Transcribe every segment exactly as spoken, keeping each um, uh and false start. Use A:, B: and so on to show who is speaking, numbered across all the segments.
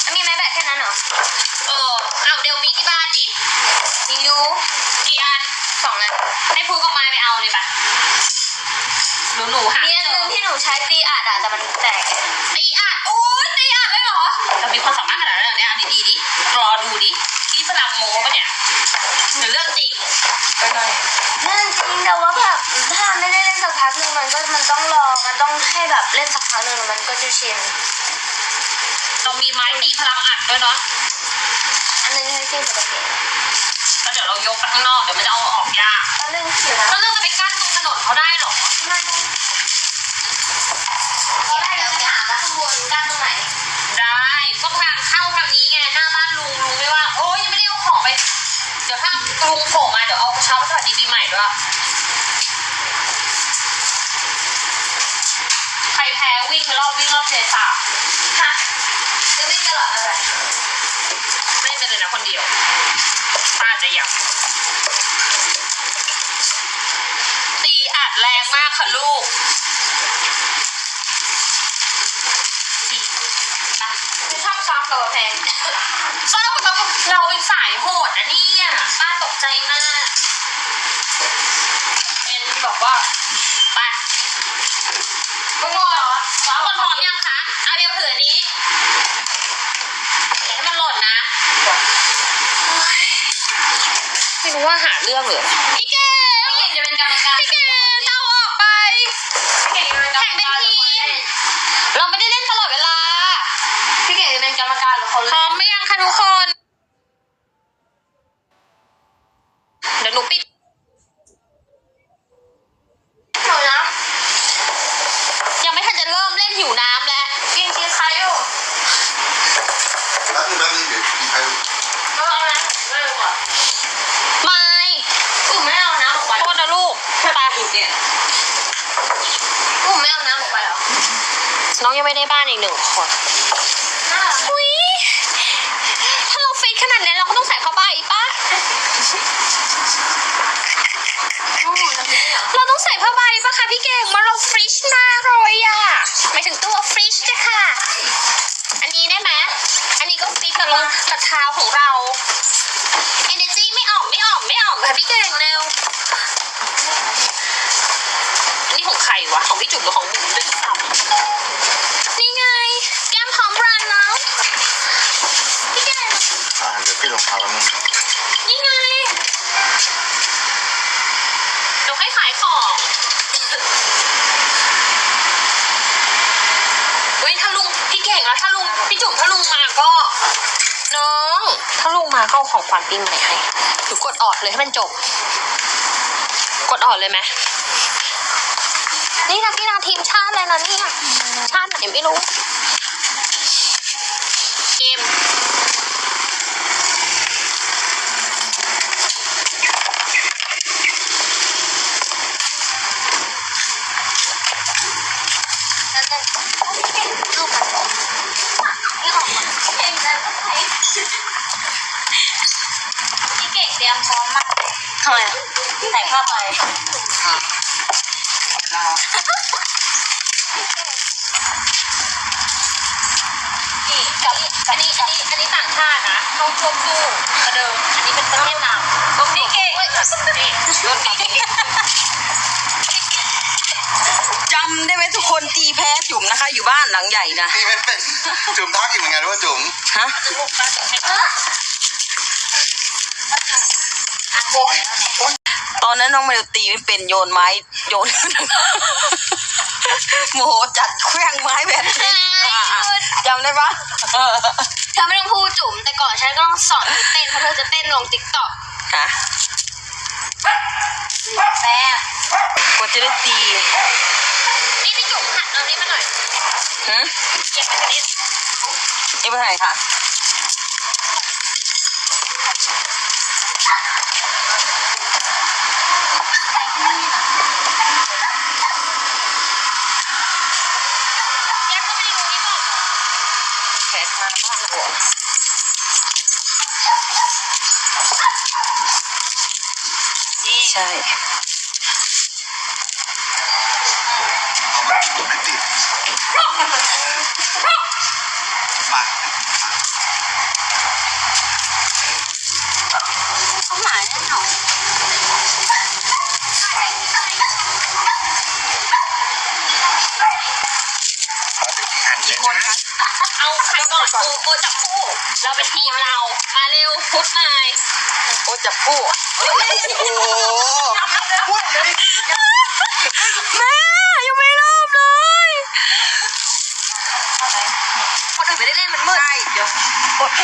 A: มีไม้แบตแค่นั้นเหรอ
B: เออเอาเดี๋ยวมีที่บ้านดิ
A: มียู
B: กี่อัน
A: สองอัน
B: ให้พูกับไม้ไปเอาเลยปะหนูหนูหา
A: มีอันนึงที่หนูใช้ตีอัดอะแต่มันแตก
B: ตีอัดโอ้ยตีอัดได้เหรอเรามีความสามารถขนาดนั้นเหรอเนี่ยดีดีดิรอดูดิที่พลังโม้ปะเนี่ยหรือเรื่องจริง
A: ไปหน่อยเรื่องจริงแต่ว่าแบบถ้าไม่ได้เล่นสักพักหนึ่งมันก็มันต้องรอมันต้องให้แบบเล่นสักพักหนึ่งมันก็จะชิน
B: เรามีไม้ตีพลังอัดด้วยเนาะ
A: อันนึงให้ตีปกติ
B: แล้วเดี๋ยวเรายกไปข้างนอกเดี๋ยวมันจะเอาออกยาก
A: แล้วเรื่องเสีย
B: แล้วเราจะไปกั้นตรงถนนเขาได้หรอ
A: ไม่ตอนแรกเราจะถามว่าข้างบนกั้นตรงไหน
B: ได้ก็ทางเข้าทางนี้ไงหน้าบ้านลุงลุงไม่ว่าโอ้ยยังไม่ได้เอาของไปเดี๋ยวถ้าลุงโผล่มาเดี๋ยวเอากระเช้าสวัสดีปีใหม่ด้วยใครแพ้วิ่งไปรอบวิ่งรอบเทสา
A: ฮะจะวิ่งตลอดอะไร
B: ไม่เป็นเลยนะคนเดียวป้าจะอยากตีอัดแรงมากค่ะลูก
A: ไม่ชอบซ้อมกับแพง
B: ซ้อมกับเราเป็นสายโหดนะเนี่ยป้าตกใจมากเอ็นบอกว่าไปคุณหมอซ้อมคนพร้อมยังคะเอาเบลถืออันนี้อย่าให้มันหล่นนะไม่รู้ว่าหาเรื่องหรือพี่เก่งพี่เก่งจะเป็นกรรมการพี่เก่งเอาออกไปพี่เก่งจะเป็นกรรมการเราไม่ได้เล่นตลอดเวลา
A: พี่เก่งจะเป็นกรรมการหรือคน
B: พร้อมไหมยังคะทุกคนเดี๋ยวหนูปิด
A: หนูนะ
B: ยังไม่ทันจะเริ่มเล่นหิวน้ำแล้ว
A: กินกินใครอยู่
C: แล้วคือแป๊บนึงเดี๋ยวกินใครอยู่
A: ไม่เอานะไม่เอาอ่ะ
B: ไม่
A: กูไม่เอาน้ำออกไป
B: โทษนะลูกตาหิวเนี่ย
A: กูไม่เอาน้ำออกไปหรอ
B: น้องยังไม่ได้บ้านอีกหนึ่งคนอุ้ยถ้าเราฟิตขนาดนี้เราก็ต้องใส่ผ้าใบป่ะเราต้องใส่ผ้าใบป่ะคะพี่เก่งมาเราฟรีชมากเลยอ่ะหมายถึงตัวฟรีชจ้ะค่ะอันนี้ได้ไหมอันนี้ก็ฟิตกับรองกับเท้าของเรา energy ไม่ออกไม่ออกไม่ออกค่ะพี่เก่งเร็วอันนี้ของใครวะของพี่จุ๋มหรือของบุ๋มด้วยซ้ำนี่ไงแก้มพร้อมรันแล้วพี่เก่ง
C: อ่าเดี๋ยวพี่ลงเท้าแล้วมึง
B: นี่ไงเดี๋ยวให้ขายของเฮ้ยถ้าลุงพี่เก่งแล้วถ้าลุงพี่จุ๋มถ้าลุงมาก็น้องถ้าลุงมาก็ของขวัญปีใหม่ให้หรือกดออดเลยให้มันจบกดออดเลยไหมนี่นักกีฬาทีมชาติเลยนะเนี่ยชาติไหนไม่รู้เกม
A: พี่เก่งเตรียมพร้อมมากทำไมใส่ผ้าใบ
B: นี่กับอันนี้อันนี้อันนี้ต่างชาตินะเขาควบคู่กระเดิมอันนี้เป็นประเทศนำก็พี่เก่งนี่รถนี้
D: จำได้ไหมทุกคนตีแพ้จุ๋มนะคะอยู่บ้านหลังใหญ่นะ
C: ตีไม่เป็นจุ๋มทักอีกเหมือนกันว่าจุ๋ม
D: ฮะตอนนั้นน้องเมลตีไม่เป็นโยนไม้โยนโมโหจัดเครื่องไม้แบบนี้จำได้ปะ
A: เธอไม่ต้องพูดจุ๋มแต่ก่อนฉันก็ต้องสอนเต้นเพราะเธอจะเต้นลงติ๊กต็อก
D: ฮะ
A: แม่
D: กว่าจะได้ตี
B: นี่พี่จุ๋มหันเอานี้มาหน่อย
D: ฮะ
B: เก็บไปกันนิด
D: เก็บไปไหนคะ
B: แยกก็ไม่รู้นี่ก่อน
D: แขกมาบ้านหัวใช่
C: ไม่ติดมา
A: เขาหมาแน่นอน
D: คนคะ
B: เอาใครก่อนโอโอจับคู่เราเป็นทีมเรามาเร็วพุทธนาย
D: โอ้จับคู่
C: โอ้โหพูดเลย
B: แม่ยังไม่เริ่มเลย
D: คนอื่นไม่ได้เล่นมันมืดใช่เดี๋ยวกด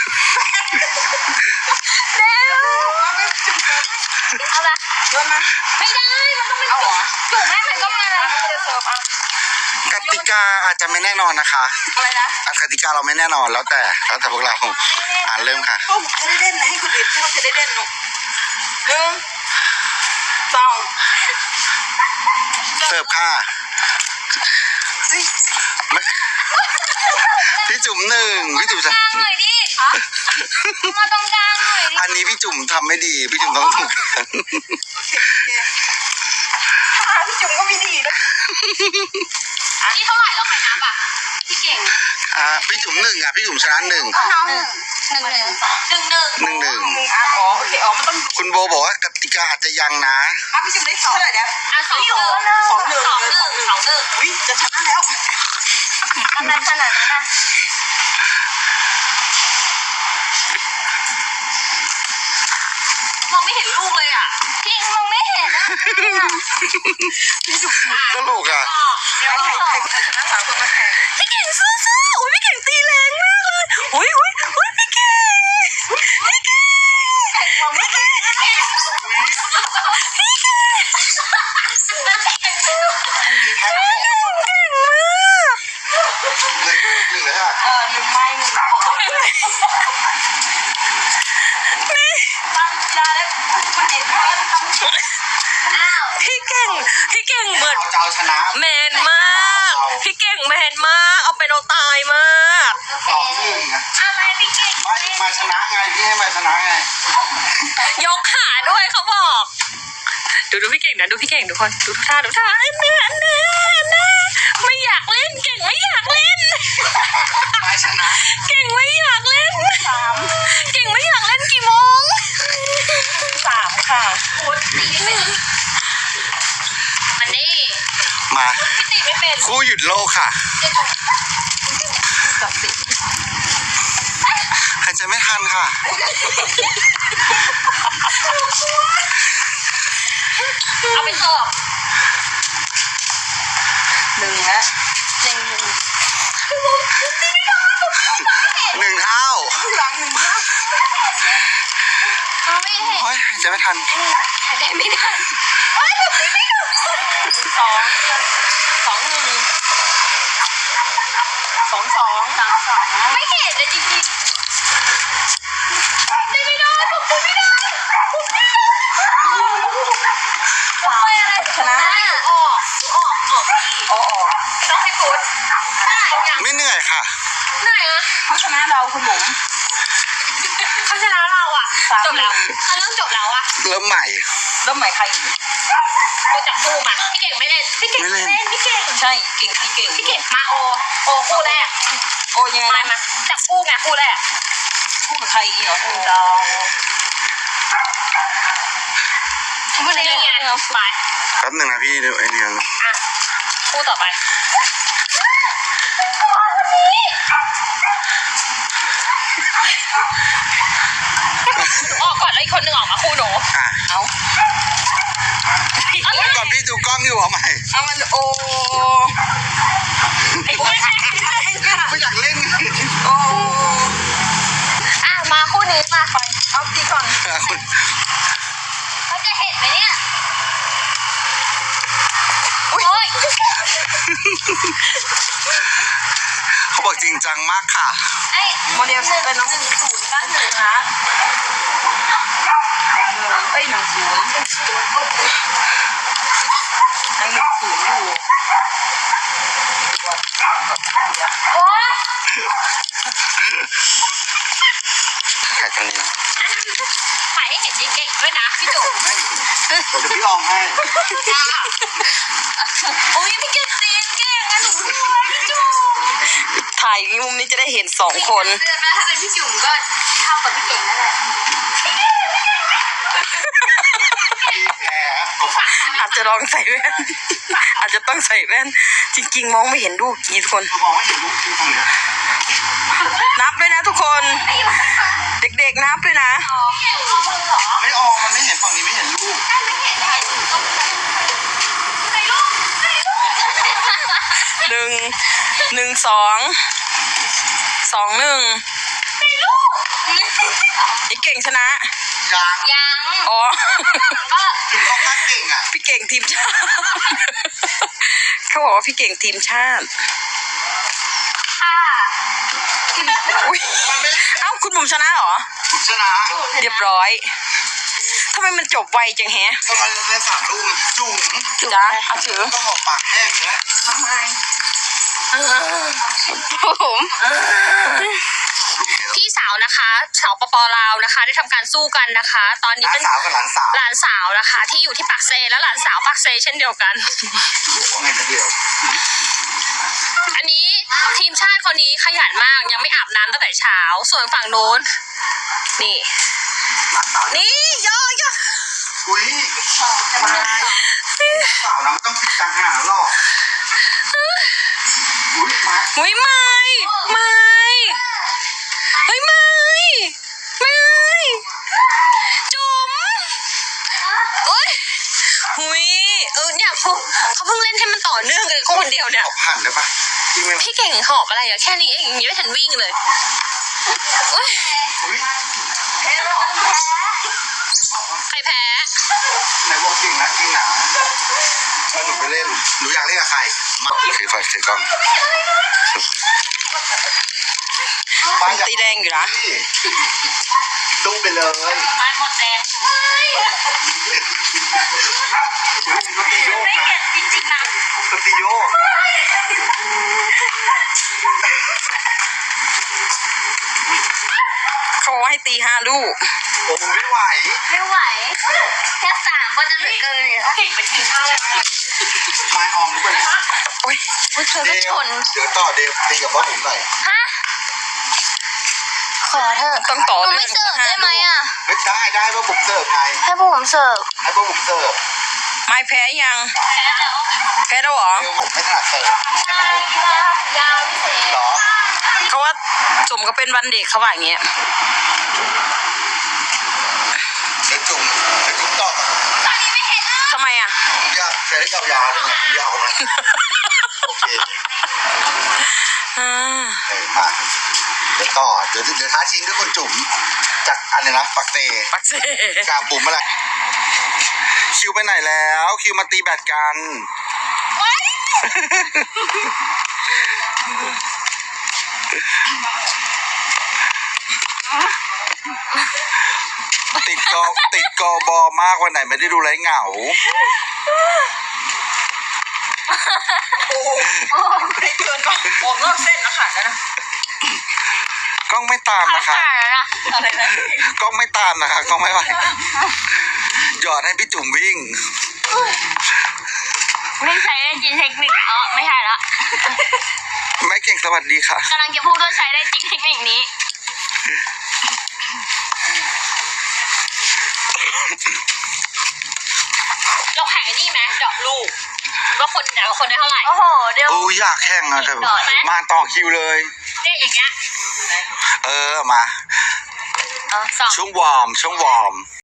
B: เร็ว
A: เอาละ
D: โยนมา
B: ไม่ได้มันต้องเป็น
D: เอาเหรอ
B: จุ่มให้มันก็มา
D: จะเสิร์ฟอ่ะ
C: กติกาอาจจะไม่แน่นอนนะคะ
D: อะไรนะ
C: อ่ะกติกาเราไม่แน่นอนแล้วแต่แล้วแต่พวกเราอ่านเริ่มค่ะ
D: ก็จะได้เล่นนะให้คนอื่นที่เขาจะได้เล่นหนูหนึ่งสอง
C: เสิร์ฟค่ะไม่พี่จุ๋มหนึ่งพี่จุ๋มจะ
A: กลางหน่อยดิมาตรงกลางหน่อยดิ
C: อันนี้พี่จุ๋มทำไม่ดีพี่จุ๋มต้องถูกกัน
D: พี่จุ๋มก็มีดีนะ
B: นี่เท่าไหร่แล้วใครนับอ่ะ
A: พี่เก่ง
C: อ่ะพี่จุ๋มหนึ่งอ่ะพี่จุ๋มชนะหนึ่ง
A: น้องหนึ่งหนึ่งหนึ่ง
B: หนึ่งหนึ่ง
C: หนึ่งหนึ่ง
D: หนึ่งอ่ะอ๋อโอเคอ๋อมันต้อง
C: คุณโบบอกว่ากติกาอาจจะยังนะ
D: อ่ะพี่จุ๋มได้สองเท่าไหร่เนี่ย
B: อ่ะสองหนึ่ง
D: สองหนึ่ง
B: สองหนึ่งสองหนึ่ง
D: อุ้ยจะชนะแล้ว
A: อะไรขนาดนั้นอ่ะ
B: มองไม่เห็นลูกเลยอ่ะ
A: จริงมองไม่เห็นอ่ะ
C: ตลกอ่ะ
B: เดี๋ยว
D: ใคร
B: ก่อน
D: ใครใครชนะสามคนมาแข่ง
B: พี่เก่งสู้ๆอุ้ยพี่เก่งตีแรงมากเลยอุ้ยอุ้ยอุ้ยพี่เก่งพี่เก่ง
A: มองไม่เห็น
C: หนึ่งหนึ่งเลยค่ะ
D: เออหนึ่งไม้หนึ่งตั้งยาแล้วคุณเด็กเขาตั้ง
A: อ้าว
B: พี่เก่งพี่เก่งเหมือน
C: เอาเจ้าชนะ
B: แมนมากพี่เก่งแมนมากเอาเป็นเอาตายมาก
C: สองหนึ่งอะ
A: อะไรพี่เก่ง
C: ไม่มาชนะไงพี่ให้มาชนะไง
B: ยกขาด้วยเขาบอกดูดูพี่เก่งนะดูพี่เก่งทุกคนดูท่าดูท่าอันเนี้ยอันเนี้ยอันเนี้ยไม่อยากเล่นเก่งไม่อยากเล่น
C: มาชนะ
B: เก่งไม่อยากเล่น
D: สาม
B: เก่งไม่อยากเล่นกี่โมง
D: สามค่ะ
B: มันนี่
C: มา
B: พี่ตีไม่เป็น
C: คู่หยุดโลกค่ะ
D: จับสิ
C: หายใจไม่ทันค่ะ
B: เอาไปเสิร์ฟ
D: หนึ่งนะ
A: หนึ่งหนึ่ง
C: หนึ่งเท่า
D: หลังหนึ่งนะ
A: มองไม่เห็น
C: โอ้ยหายใจไม่ทัน
A: หายใจไม่ได้
D: สองสองหนึ่งสองสอง
A: สองสองไม่เห็นเลยจริงๆตีไม่ได้ผมตีไม่ได้ผมตีไม่ได้
D: สามชนะ
B: ออกออกออก
D: อ๋อ
B: ต้องให้พุทธได้ยัง
C: ไม่เหนื่อยค่ะ
B: เหนื่อยอะ
D: เขาชนะเราคุณบุ๋ม
B: เขาชนะเราอะจบแล้วเอาเรื่องจบแล้วอะ
C: เริ่มใหม่
D: แล้วใหม่ใครอีก
B: โอจับคู่มาพี่เก่งไม่เล่นพี่เก่ง
C: ไม่เล่น
B: เล่นพี่เก่ง
D: ใช่เก่งพี่เก่ง
B: พี่เก่งมาโอโอคู่แรก
D: โอ้ยังไง
B: มา
D: นะ
B: มาจับคู่ไงคู่แรก
D: พูดกับใครอีกเหรอดาว
B: คู่นี้ไงไป
C: แป๊บหนึ่งนะพี่เดี๋ยวไอ้นี่นะ
B: อ่ะคู่ต่อไปออกก่อนแล้วอีกคนหนึ่งออกมาคู่หนู
C: อ่ะ
D: เอา
B: เอาเลย
C: ก่อนพี่ดูกล้องอยู่เอาใหม่
D: เอามันโอ้
B: ไอ้คู่แรก
C: ไม่อยากเล่น
D: โอ้
B: อ่ะมาคู่นี้มา
D: เอาตีก่อน
C: คุณ
A: เขาจะเห็นไหมเนี่ย
B: โอ้ย
C: เขาบอกจริงจังมากค่ะ
A: ไอ้
D: โมเดลเป็นน้องหนึ่งศูนย์บ้านหนึ่งนะหนึ่งเอ้ยหนึ่งศูนย์ยังหนึ่งศูนย์อยู่
A: โอ๊ย
C: ถ่ายตรงนี้
B: ถ่ายให้เห็นเก่งด้วยนะพี่จุ๋ม
C: เดี๋ยวพี่ลองให้
B: โอ้ยพี่เก่งตีนเก่งอะหนูด้วยพี่จุ๋ม
D: ถ่ายมุมนี้จะได้เห็นสองคน
A: เลือดนะถ้าเป็นพี่จุ๋มก็เท่ากับพี่เก่งนั่นแหละ
C: แผล
D: อาจจะลองใส่แว่น อาจจะต้องใส่แว่น จริงๆ มองไม่เห็นลูกกี่คน
C: มองไม่เห็นลูกที่ตรงเนี้ย
D: นับด้วยนะทุกคน เด็กๆนับด้วยนะ
A: เก่งเอามือเหรอ
C: ไม่ออกมันไม่เห็นฝั่งนี้ไม่เห็นลูก
A: ถ้าไม่เห็นถ่ายถูกต้องใส่ลูกใส่ลูก
D: หนึ่ง หนึ่งสอง สองหนึ่ง
A: ใส่ลูก
D: ไอ้เก่งชนะ
C: ยัง
A: ยัง
D: อ๋อ
A: ก็
C: ถึงเขาข้างเก่งอ่ะ
D: พี่เก่งทีมชาติ เขาบอกว่าพี่เก่งทีมชาติ
A: ค่ะ
D: อุ้ยเอ้าคุณบุ๋มชนะเหรอ
C: ชนะ
D: เรียบร้อยทำไมมันจบไวจังแฮะ
C: ก็เราเล่นสามลูกจุ่ม
D: จ้าเอาถือ
C: ต้องหอบปากแห้งเลยนะ
A: ทำไม
D: ผม
B: พี่สาวนะคะสาวปปลาวนะคะ ได้ทำการสู้กันนะคะ ตอนนี้
C: น้า
B: เป็น
C: สาวกับหลานสาว
B: หลานสาวนะคะ ที่อยู่ที่ปากเซและหลานสาวปากเซเช่นเดียวกัน
C: ว่าไงนะเดียว
B: อันนี้ทีมชาติคนนี้ขยันมากยังไม่อาบน้ำตั้งแต่เช้า ส่วนฝั่งโน้น นี่
C: หลานสาว
B: นี่ย่อย่อ
C: อุ้ยมาสาวนะไม่ต้องปิดจังหาหรอกอุ้ยมา
B: เฮ้ยไม่ไม่เฮ้ยไม่ไม่จุ๋มโอ๊ยหุยเออเนี่ยเขาเขาเพิ่งเล่นให้มันต่อเนื่องกันคนเดียวเนี่ย
C: ขอบหันได้ปะจริงไหม
B: พี่เก่งหอบอะไรอะแค่นี้เองยังไม่ทันวิ่งเลยโอ๊ย
C: อุ้ย
B: ใครแพ้
C: ไหนบอกจริงนะจริงนะถ้าหนูไปเล่นหนูอยากเล่นกับใครมาถือไฟถือกล้อง
D: ตีแดงอยู่นะ
C: ตุ้มไปเลย
A: ไม้หมดแดง
C: ก็ตีโยก
A: ไม่
C: นะ
A: เห็นจริงๆนะ
C: ก็ตีโยก
D: เขาบอกว่าให้ตีห้าลูก
C: โอ้ไม่ไหว
A: ไม่ไหวแค่สามก็จะเหลือเกินอยู่แล้ว
B: เก่งเป็นทีมชาติแล้ว
C: ไม้ออมรู้ป่ะเนี่ย
D: โอ้ย
A: อุ้ยเธอ
C: เด
A: ก็
C: ว
A: ชน
C: เดี๋ยวต่อเดวตีกับพ่อผมหน่อย
A: ฮะขอเถอะ
D: ต้องต่อ
A: หนู
D: เนื่
A: ไม่
D: อง
A: เสิร์ฟได้ไหมอ่ะ
C: ไม่ได้ได้พ่อผมเสิร์ฟไง
A: ให้พวกผมเสิร์ฟ
C: ให้พ่อผมเสิร์ฟ
D: ไม่แพ้ยัง แพ้แล้วเหรอ
C: เดวผมไม่ถนัดเสิร์ฟ
A: ยาวพิเศษ
C: หรอ
D: เขาว่าจุ่มก็เป็นวันเด็กเขาว่าอย่างเงี้ย
C: เดี๋ยวจุ่มเดี๋ยวจุ่มต่อก่อน
A: ตอนนี้ไม่เห็นแล้ว
D: ทำไมอ่ะ
C: ผมอยากใช้ได้ยาวๆเลยเนี่ยยาวเลยโอเค
D: อ่า
C: เออมาเดี๋ยวต่อเดี๋ยวเดี๋ยวท้าชิงด้วยคนจุ่มจากอะไรนะปักเต
D: ปักเซ่
C: กาบุ๋มอะไรคิวไปไหนแล้วคิวมาตีแบดกัน ติดกอติดกอบอมากวันไหนไม่ได้ดูไรเหงา
D: ไอ้เกินก็ออกนอกเส้นนะค่ะนะ
C: กล้องไม่ตามนะคะ
D: อะไรนะ
C: กล้องไม่ตามนะคะกล้องไม่ไหวหยอดให้พี่จุ๋มวิ่ง
A: ไม่ใช้ได้จริงเทคนิคอ๋อไม่ใช่ละ
C: แม่เก่งสวัสดีค่ะ
A: กำลังจะพูดว่าใช้ได้จริงเทคนิคนี้
B: เราแข่งไอ้นี่ไหมดอกลูกว่าคนแต่ละคนได้เท่าไหร่
A: โอ้โหเดี๋ยว
C: โอ้ยอยากแข่งอะเธอมาต่อคิวเลย
B: เนี่ยอย่างเงี้ย
C: เออมา
A: เออสอง
C: ช่วงวอร์มช่วงวอร์ม